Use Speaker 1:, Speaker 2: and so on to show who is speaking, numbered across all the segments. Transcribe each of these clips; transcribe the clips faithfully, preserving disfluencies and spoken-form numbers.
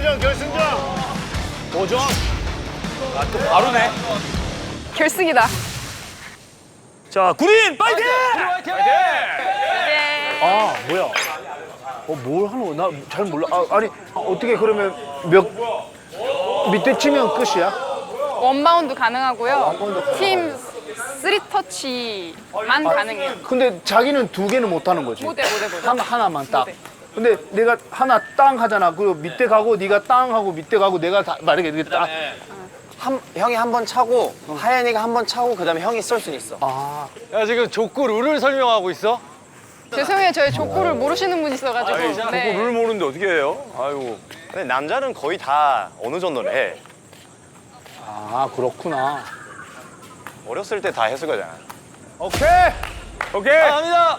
Speaker 1: 결승전, 결승전.
Speaker 2: 오점. 아, 또 바로네.
Speaker 3: 결승이다.
Speaker 2: 자, 구린 파이팅! 파이팅!
Speaker 1: 아, 뭐야? 어, 뭘 하는 거야? 나 잘 몰라. 아, 아니, 어떻게 그러면 몇 밑에 치면 끝이야?
Speaker 3: 원바운드 가능하고요.
Speaker 1: 원바운드 가능하고.
Speaker 3: 팀 쓰리 터치만 가능해요.
Speaker 1: 근데 자기는 두 개는 못 하는 거지.
Speaker 3: 못해 못해 못해.
Speaker 1: 하나 하나만 딱.
Speaker 3: 네.
Speaker 1: 근데 내가 하나 땅 하잖아. 그리고 밑에 가고 네가 땅 하고 밑에 가고 내가 다 만약에 이게 땅.
Speaker 4: 한, 형이 한 번 차고 하연이가 한 번 차고 그다음에 형이 쏠 수는 있어.
Speaker 1: 아,
Speaker 2: 야, 지금 족구 룰을 설명하고 있어?
Speaker 3: 죄송해요. 저희 족구를 모르시는 분이 있어가지고. 네.
Speaker 2: 룰 모르는데 어떻게 해요? 아이고.
Speaker 5: 근데 남자는 거의 다 어느 정도는 해.
Speaker 1: 아 그렇구나.
Speaker 5: 어렸을 때 다 했을 거잖아.
Speaker 1: 오케이.
Speaker 2: 오케이. 갑니다.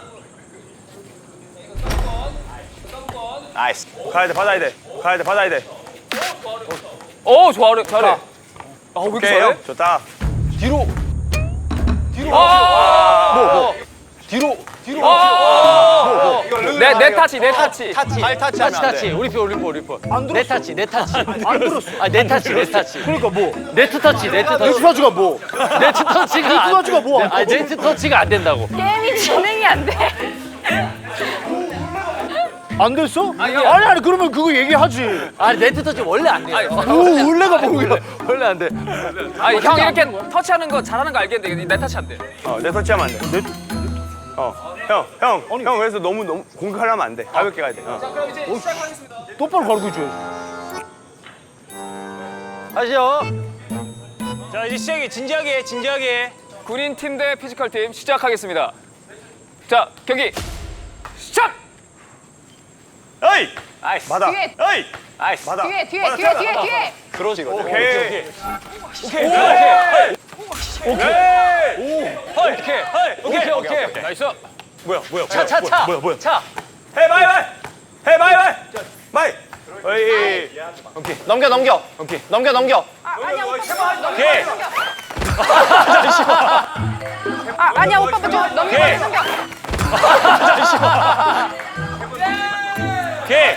Speaker 5: 나이스.
Speaker 2: 가야 돼, 받아야 돼. 가야 돼, 받아야 돼. 오, 잘해, 잘해. 아, 왜 이렇게
Speaker 5: 오케이,
Speaker 2: 잘해?
Speaker 5: 좋다.
Speaker 2: 뒤로. 뒤로. 아, 뭐, 뭐. 뒤로. 뒤로. 아, 내, 내 타치, 내 타치.
Speaker 5: 타치. 발 타치하면 안 돼.
Speaker 2: 타치. 우리 표, 우리 표, 우리 표.
Speaker 1: 안 들었어.
Speaker 2: 내 타치, 내 타치.
Speaker 1: 안 들었어.
Speaker 2: 아, 내 타치, 내 타치.
Speaker 1: 그러니까 뭐?
Speaker 2: 네트 터치, 네트 터치.
Speaker 1: 네트 터치가 뭐?
Speaker 2: 네트 터치가
Speaker 1: 네트
Speaker 2: 안-
Speaker 1: 터치가 뭐?
Speaker 2: 아, 네트 터치가 안 된다고.
Speaker 3: 게임이 진행이 안 돼.
Speaker 1: 안 됐어? 아니 아니 그러면 그거 얘기하지.
Speaker 2: 아, 네트 터치 원래 안 돼요.
Speaker 1: 오, 원래가 뭐야?
Speaker 2: 원래 안 돼.
Speaker 6: 아니 형 이렇게 터치하는 거 잘하는 거 알겠는데 내 터치 안 돼.
Speaker 5: 어, 내 터치하면 안 돼.
Speaker 1: 네?
Speaker 5: 어, 형, 형, 형 그래서 너무 너무 공격하려면 안 돼. 가볍게 가야 돼. 어.
Speaker 1: 똑바로 가르쳐 줘야지.
Speaker 2: 하시죠.
Speaker 6: 자 이제 시작이 진지하게 진지하게 군인 팀 대 피지컬 팀 시작하겠습니다. 자 경기 시작.
Speaker 5: 어이,
Speaker 6: 나이스.
Speaker 5: 받아.
Speaker 3: 뒤에.
Speaker 5: 어이,
Speaker 6: 나이스.
Speaker 5: 받아.
Speaker 3: 뒤에 뒤에
Speaker 5: 받아,
Speaker 3: 뒤에
Speaker 5: 받아,
Speaker 3: 뒤에
Speaker 5: 받아.
Speaker 3: 뒤에.
Speaker 5: 그러지, 그러지. 오케이.
Speaker 6: 오케이. 오케이. 오케이. 오케이. 오케이. 나이스.
Speaker 5: 뭐야, 뭐야,
Speaker 2: 차, 차, 차.
Speaker 5: 뭐야, 뭐야.
Speaker 2: 차.
Speaker 5: 해, 바이, 바이. 해, 바이, 바이. 바이. 어이.
Speaker 4: 넘겨 넘겨.
Speaker 5: 오케이.
Speaker 4: 넘겨 넘겨.
Speaker 3: 아 아니야 오빠. 넘겨
Speaker 5: 오케이.
Speaker 3: 넘겨. 아 아니야 오빠 좀 넘겨
Speaker 5: 오케이.
Speaker 3: 넘겨.
Speaker 5: 오케이.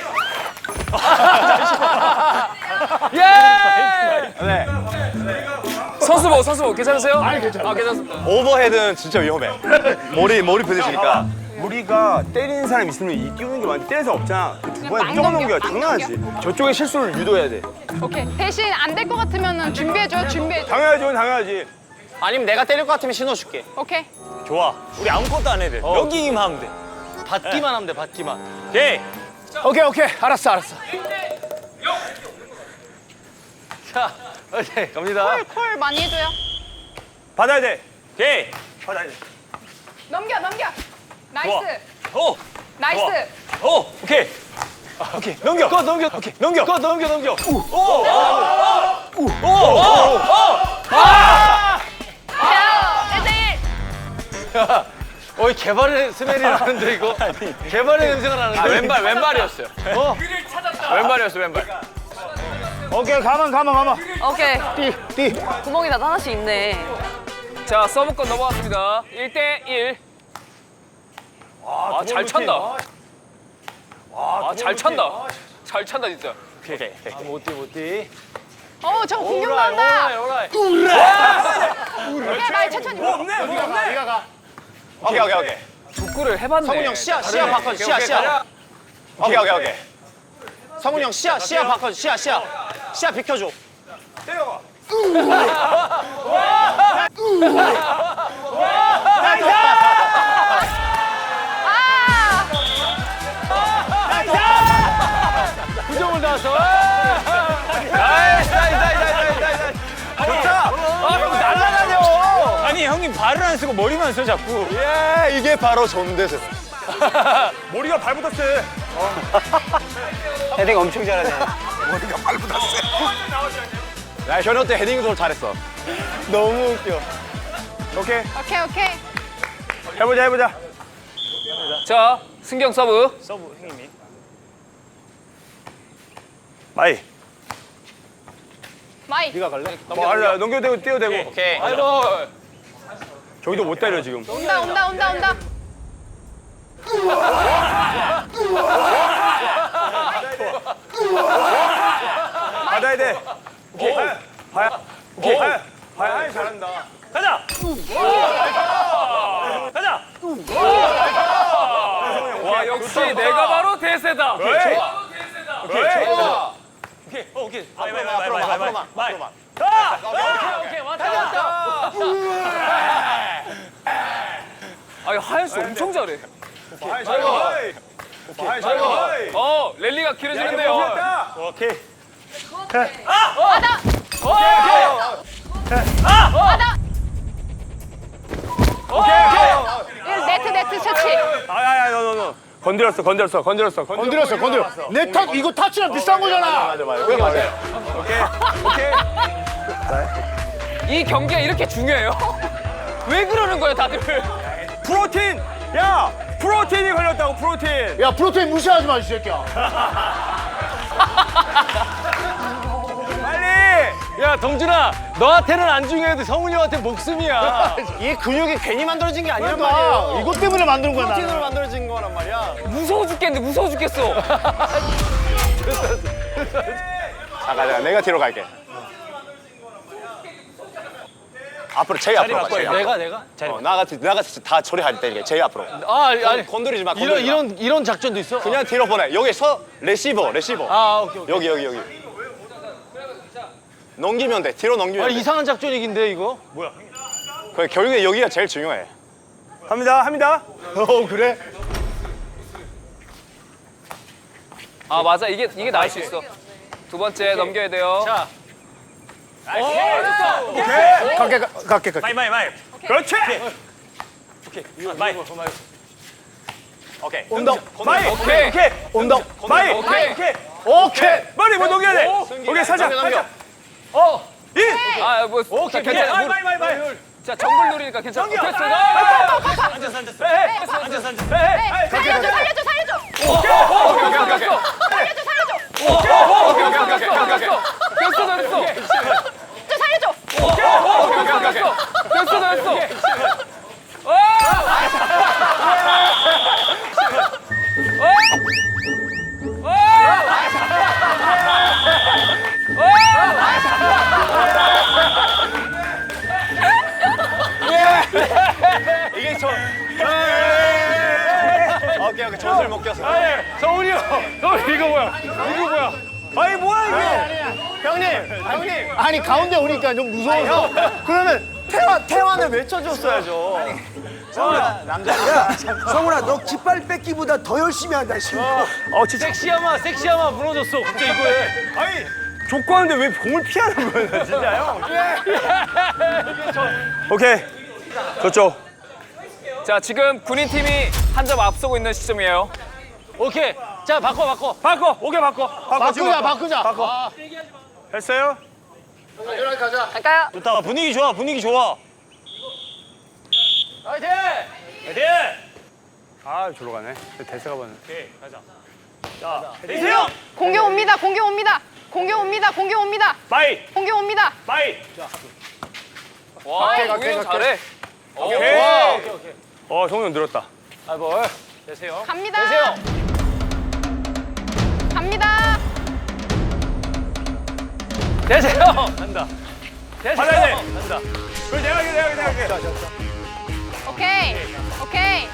Speaker 6: 예. 선수보 선수보 괜찮으세요?
Speaker 1: 아니 괜찮아.
Speaker 6: 아 괜찮습니다.
Speaker 5: 오버헤드는 진짜 위험해. 머리, 머리 부딪히니까. 우리가 때리는 사람 있으면 이 끼우는 게 많은데 때릴 사람 없잖아. 두 번에
Speaker 3: 막
Speaker 5: 무조건
Speaker 3: 넘겨,
Speaker 5: 넘겨야
Speaker 3: 막
Speaker 5: 장난하지. 저쪽의 실수를 유도해야 돼.
Speaker 3: 오케이 대신 안 될 것 같으면은 준비해줘 준비해줘.
Speaker 5: 당연하지, 그건 당연하지.
Speaker 4: 아니면 내가 때릴 것 같으면 신호 줄게.
Speaker 3: 오케이.
Speaker 5: 좋아. 우리 아무것도 안 해야 돼. 여기만 하면 돼.
Speaker 2: 받기만 하면 돼, 받기만.
Speaker 5: 오케이.
Speaker 1: 오케이 오케이 알았어 알았어.
Speaker 2: 자, 오케이, 갑니다.
Speaker 3: 콜, 콜 많이 해줘요.
Speaker 5: 받아야 돼. 오케이. 받아야 돼.
Speaker 3: 넘겨 넘겨. 나이스.
Speaker 5: 오.
Speaker 3: 나이스.
Speaker 5: 오. 오케이. 오케이. 넘겨.
Speaker 2: 거 넘겨.
Speaker 5: 오케이. 넘겨.
Speaker 2: 거 넘겨, 넘겨.
Speaker 3: 야 일 대 일.
Speaker 2: 어이, 개발의 스멜이 나는데, 이거? 개발의 냄새가 나는데.
Speaker 6: 아 왼발 왼발이었어요.
Speaker 2: 어?
Speaker 6: 왼발이었어 왼발.
Speaker 1: 오케이 가만 가만 가만.
Speaker 7: 오케이.
Speaker 1: 띠 띠.
Speaker 7: 구멍이 나도 하나씩 있네.
Speaker 6: 자 서브권 넘어갔습니다. 일 대 일. 아 잘 찬다. 아잘 찬다. 잘 찬다 진짜.
Speaker 2: 아, 못 뛰, 못 뛰.
Speaker 3: 어 저거 공격
Speaker 2: 오라이,
Speaker 3: 나온다.
Speaker 2: 오라이, 오라이.
Speaker 3: 오케이 말 천천히.
Speaker 1: 네가 가.
Speaker 5: 오케이, 오케이, 오케이.
Speaker 6: 축구를 해봤네.
Speaker 4: 성훈이 형 시야 시야 바꿔 시야 시야.
Speaker 5: 오케이, 오케이, 오케이.
Speaker 4: 성훈이 형 시야 시야 바꿔 시야 시야. 시야 비켜줘.
Speaker 5: 때려봐.
Speaker 3: 아.
Speaker 2: 구점을 나왔어.
Speaker 5: 나이스, 나이스, 나이스, 나이스, 나이스. 좋다. 아, 형 날라다녀. 아니, 형님 발을 안 쓰고 머리만 써 자꾸. 예, 이게 바로 전대세. 머리가 발보다 세.
Speaker 4: 헤딩 엄청 잘하네.
Speaker 5: 머리가 발보다 세. 야, 현우 때 헤딩도 잘했어. 너무 웃겨. 오케이,
Speaker 3: 오케이 오케이.
Speaker 5: 해보자, 해보자.
Speaker 6: 자 승경 서브.
Speaker 5: 서브 형님이. 마이.
Speaker 3: 마이.
Speaker 1: 네가 갈래?
Speaker 5: 뭐 알라 넘겨대고 뛰어대고.
Speaker 4: 오케이.
Speaker 6: 아이고.
Speaker 5: 저기도 못 때려 지금.
Speaker 3: 온다 온다 온다 온다.
Speaker 5: 가야 돼. 오케이. 하야. 오케이. 하야. 하야 잘한다. 가자. 가자.
Speaker 6: 와 역시 내가 바로 대세다.
Speaker 5: 오케이. 오케이. 오케이. 오케이. 오케이. 마이 마이 마이 마이 마이 마이. 가!
Speaker 2: 오케이 왔다 왔다.
Speaker 6: 아 하연 씨 엄청 잘해.
Speaker 5: 하야 잘 가. 하야 잘 가.
Speaker 6: 어 랠리가 길어지는데요.
Speaker 5: 오케이.
Speaker 3: 네트 네트 처치.
Speaker 5: 아야야 너 너 너. 건드렸어 건드렸어 건드렸어
Speaker 1: 건드렸어, 건드렸어. 내 탓, 이거 타치랑 비싼 거잖아.
Speaker 5: 맞아 맞아. 오케이 맞아요. 오케이. 오케이.
Speaker 6: 이 경기가 이렇게 중요해요? 왜 그러는 거예요 다들?
Speaker 5: 프로틴. 야 프로틴이 걸렸다고 프로틴.
Speaker 1: 야, 프로테인 무시하지 마, 이 새끼야.
Speaker 5: 빨리.
Speaker 2: 야 동준아 너한테는 안 중요해도 성훈이 형한테 목숨이야.
Speaker 4: 이 근육이 괜히 만들어진 게 아니란
Speaker 1: 그러니까
Speaker 4: 말이에요.
Speaker 1: 이것 때문에 만든 거야,
Speaker 4: 프로틴으로
Speaker 1: 나는.
Speaker 4: 만들어진 거란 말이야.
Speaker 6: 무서워 죽겠는데 무서워 죽겠어.
Speaker 4: 아, 가자. 내가 뒤로 갈게. 앞으로 제이 앞으로 가. 제이 앞으로.
Speaker 2: 내가 내가. 자리.
Speaker 4: 어, 나같이 나같이 다 처리할 때니까 제이 앞으로.
Speaker 2: 아 아니
Speaker 4: 건드리지 마.
Speaker 2: 이런
Speaker 4: 건드리지 마.
Speaker 2: 이런 이런 작전도 있어?
Speaker 4: 그냥 뒤로 보내. 여기서 레시버, 레시버.
Speaker 2: 아 오케이 오케이.
Speaker 4: 여기 여기 여기. 넘기면 돼. 뒤로 넘기면
Speaker 2: 아
Speaker 4: 돼.
Speaker 2: 이상한 작전이긴데 이거?
Speaker 4: 그 결국에 여기가 제일 중요해.
Speaker 5: 합니다 합니다.
Speaker 1: 어, 그래?
Speaker 6: 아 맞아 이게 이게 나을 수 있어. 두 번째 넘겨야 돼요.
Speaker 2: 자.
Speaker 1: 갈게, 가- 갈게, 갈게.
Speaker 5: 마이 마이 마이. 그렇지. 마이.
Speaker 4: 오케이.
Speaker 1: 온다.
Speaker 5: 마이.
Speaker 6: 오케이.
Speaker 5: 오케이.
Speaker 1: 온다.
Speaker 5: 마이.
Speaker 6: 오케이.
Speaker 5: 오케이.
Speaker 1: 오케이.
Speaker 5: 머리 못 넘겨야 돼. 오케이 살짝 살짝.
Speaker 6: 어.
Speaker 5: 이.
Speaker 6: 아뭐
Speaker 5: 오케이.
Speaker 6: 괜찮아.
Speaker 5: 마이 마이 마이 마이.
Speaker 6: 자 정글 누리니까 괜찮아.
Speaker 5: 넘겨.
Speaker 6: 됐어.
Speaker 5: 앉았어 앉았어. 앉았어 앉았어.
Speaker 3: 네, 살려줘 살려줘 살려줘.
Speaker 6: 오케이 오케이 오케이 오케이.
Speaker 3: 살려줘 살려줘.
Speaker 6: 오케이 오케이 오케이 오케이. 됐어 됐어.
Speaker 3: 저 살려줘.
Speaker 6: 오케이 오케이 오케이. 됐어 됐어.
Speaker 4: 이게 저. 오케이 오케이. 젖을 못 껴서.
Speaker 5: 성훈이 형. 성훈이 이거 뭐야? 이거 뭐야? 아니 뭐야 이게?
Speaker 1: 형님, 형님. 아니, 가운데 오니까 좀 무서워서.
Speaker 4: 그러면 태환 태환을 외쳐줬어야죠.
Speaker 8: 성훈아 너 깃발 뺏기보다 더 열심히 한다 지금.
Speaker 5: 어 진짜.
Speaker 2: 섹시하마 섹시하마 무너졌어. 갑자기 이거에.
Speaker 5: 아니 족구하는데 왜 공을 피하는 거야 진짜요? 오케이. 저쪽.
Speaker 6: 자 지금 군인 팀이 한 점 앞서고 있는 시점이에요.
Speaker 2: 오케이. 자 바꿔 바꿔.
Speaker 5: 바꿔. 오케이 바꿔. 바꿔 지금
Speaker 1: 바꾸자,
Speaker 5: 바꿔.
Speaker 1: 바꾸자.
Speaker 5: 바꿔. 됐어요?
Speaker 7: 갈까요?
Speaker 5: 좋다. 분위기 좋아. 분위기 좋아.
Speaker 2: 화이팅!
Speaker 5: 화이팅! 아, 저로 가네. 대세가 봤네. 오케이, 가자. 자, 대세요!
Speaker 3: 공격 옵니다 공격 옵니다. 공격 옵니다 공격 옵니다.
Speaker 5: 마이!
Speaker 3: 공격 옵니다.
Speaker 5: 마이!
Speaker 6: 와 우영 잘해.
Speaker 5: 오케이. 어, 성훈 늘었다.
Speaker 2: 아 뭘? 되세요.
Speaker 3: 갑니다.
Speaker 2: 되세요.
Speaker 3: 갑니다.
Speaker 2: 되세요. 간다. 되세요.
Speaker 5: 받아야 돼.
Speaker 2: 간다.
Speaker 5: 그걸 내가 할게, 내가 할게, 내가 할게.
Speaker 3: 오케이 오케이.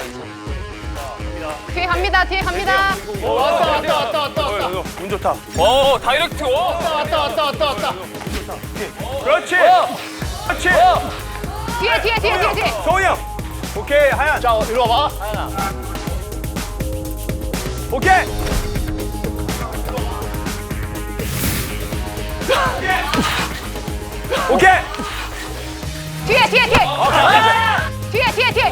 Speaker 3: 뒤에 갑니다 뒤에 갑니다.
Speaker 1: 왔다, 왔다, 왔다, 왔다.
Speaker 5: 어, 어, 운 좋다.
Speaker 6: 오 다이렉트. 오.
Speaker 1: 왔다, 왔다, 왔다, 왔다.
Speaker 5: 그렇지! 그렇지!
Speaker 3: 뒤에 뒤에 뒤에 뒤에 뒤에.
Speaker 5: 성훈이 형! 오케이, 하얀.
Speaker 1: 자, 이리 와봐.
Speaker 5: 오케이! 오케이!
Speaker 3: 뒤에 뒤에 뒤에. 뒤에 뒤에 뒤에.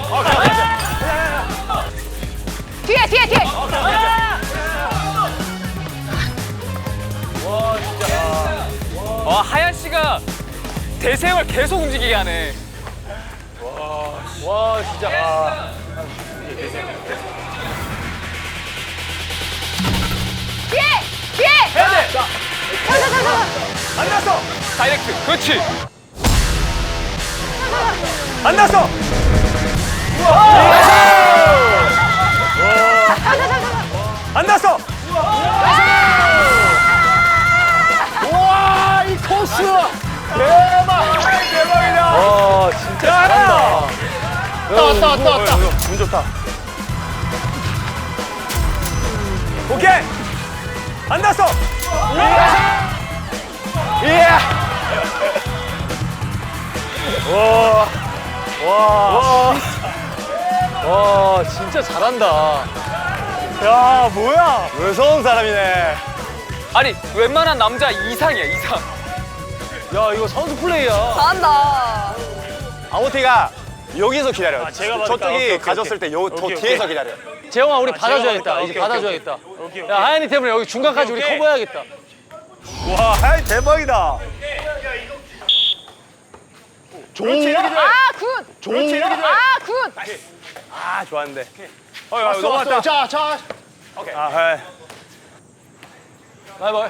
Speaker 3: 뒤에 뒤에 뒤에.
Speaker 6: 와 하얀 씨가 대세형을 계속 움직이게 하네.
Speaker 2: 와 진짜.
Speaker 3: 뒤에 뒤에.
Speaker 5: 해야 돼!
Speaker 3: 자자자자.
Speaker 5: 안 났어!
Speaker 6: 다이렉트. 그렇지.
Speaker 5: 안 났어! 안 났어!
Speaker 1: 와, 왔다 왔다 왔다.
Speaker 5: 운 좋다. 오케이. 안 났어. 예. 와. 와. 와, 진짜 잘한다. 야, 뭐야? 무서운 사람이네.
Speaker 2: 아니 웬만한 남자 이상이야 이상.
Speaker 5: 야, 이거 선수 플레이야.
Speaker 3: 잘한다.
Speaker 5: 아모티가 여기서 기다려.
Speaker 6: 제가 받을까?
Speaker 5: 저쪽이
Speaker 6: 오케이, 오케이,
Speaker 5: 가졌을 때 요 더
Speaker 6: 오케이,
Speaker 5: 뒤에서
Speaker 6: 오케이.
Speaker 5: 기다려.
Speaker 9: 재영아 우리
Speaker 6: 제가
Speaker 9: 받아줘야겠다.
Speaker 6: 받을까?
Speaker 9: 이제
Speaker 6: 오케이,
Speaker 9: 받아줘야겠다.
Speaker 6: 오케이, 오케이.
Speaker 9: 야 하연이 때문에 여기 중간까지 우리
Speaker 6: 오케이.
Speaker 9: 커버해야겠다.
Speaker 5: 와, 하이 대박이다.
Speaker 1: 좋은
Speaker 3: 아, 굿.
Speaker 1: 좋은
Speaker 3: 아, 굿.
Speaker 5: 아, 좋았는데.
Speaker 6: 어, 야,
Speaker 1: 왔어 왔어. 자 자.
Speaker 5: 아, 하이.
Speaker 9: 바이바이.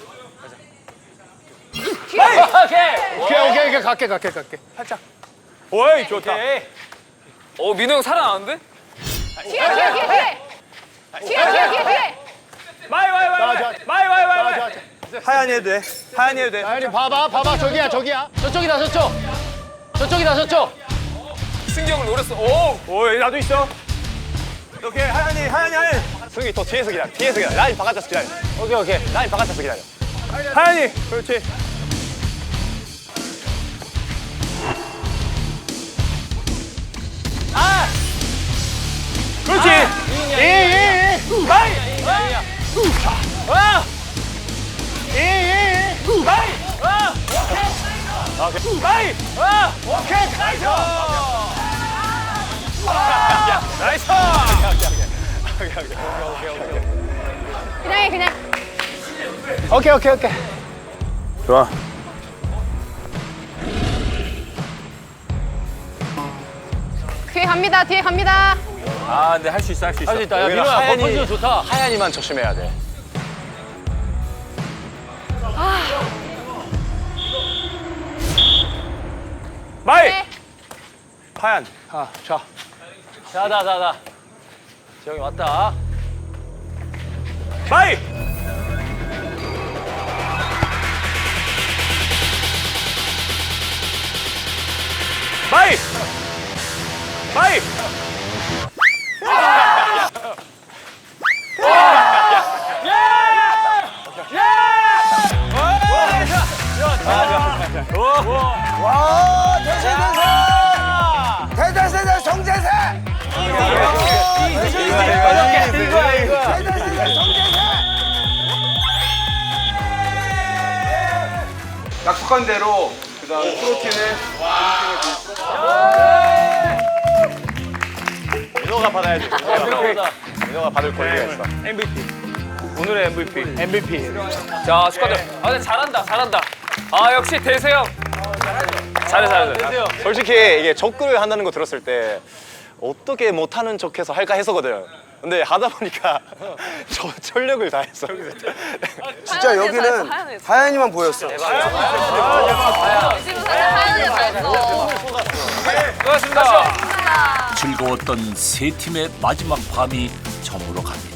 Speaker 2: 오케이.
Speaker 1: 오케이 오케이 오케이 갈게 갈게 갈게.
Speaker 5: 오이, 좋다.
Speaker 2: 어 민호 형 살아나는데?
Speaker 3: 뒤에, 뒤에, 뒤에, 뒤에. 뒤에, 뒤에, 뒤에, 뒤에.
Speaker 6: 마이, 마이, 마이, 마이, 마이, 마이, 마이, 마이.
Speaker 1: 자, 자.
Speaker 5: 하얀이 해도 돼. 하얀이 해도 돼.
Speaker 1: 아니 봐봐 봐봐 저기야 저기야.
Speaker 9: 저쪽이다 저쪽. 저쪽이다 저쪽.
Speaker 2: 승경을 노렸어. 오.
Speaker 5: 오이, 나도 있어. 오케이, 하얀이, 하얀이, 하얀이. 승기 더 뒤에서 기다려. 뒤에서 기다려. 라인 바깥에서 기다려.
Speaker 9: 오케이 오케이.
Speaker 5: 라인 바깥에서 기다려. 하얀이, 그렇지. 그렇지.
Speaker 1: 예예 예.
Speaker 5: 라인.
Speaker 9: 아!
Speaker 1: 예예 예.
Speaker 5: 라인. 라인.
Speaker 1: 오케이 가이죠.
Speaker 5: 나이스.
Speaker 3: 그냥 해, 그냥.
Speaker 1: 오케이 오케이 오케이.
Speaker 5: 좋아.
Speaker 3: 뒤에 갑니다, 뒤에 갑니다.
Speaker 6: 아, 근데 할 수 있어, 할 수 있어.
Speaker 9: 할 수 있다. 야
Speaker 5: 여기는
Speaker 9: 민호야
Speaker 5: 하얀이-
Speaker 9: 버퍼즈 좋다.
Speaker 5: 하얀이만 조심해야 돼.
Speaker 6: 마이.
Speaker 3: 네.
Speaker 5: 하얀.
Speaker 1: 아, 자.
Speaker 9: 자자자자. 재영이 왔다.
Speaker 6: 마이. 마이. 마이.
Speaker 8: 와 대세대세 대대세대 성재세 대대세대 성재세
Speaker 4: 약속한 대로 그다음 프로틴을
Speaker 5: 민호가 받아야지.
Speaker 9: 민호보다.
Speaker 5: 민호가 받을 권리가 있어.
Speaker 6: 엠브이피. 오늘의 엠브이피.
Speaker 1: 엠브이피.
Speaker 2: 자 축하드려. 아 근데 잘한다 잘한다. 아 역시 대세형. 잘해 잘해.
Speaker 9: 되세요.
Speaker 5: 솔직히 이게 적글을 한다는 거 들었을 때 어떻게 못하는 척해서 할까 했었거든. 근데 하다 보니까 저 전력을 다했어.
Speaker 8: 진짜 여기는 하얀이만 보였어
Speaker 3: 지금 살짝 하얀이 잘했어.
Speaker 2: 수고하셨습니다.
Speaker 10: 즐거웠던 세 팀의 마지막 밤이 저물어 갑니다.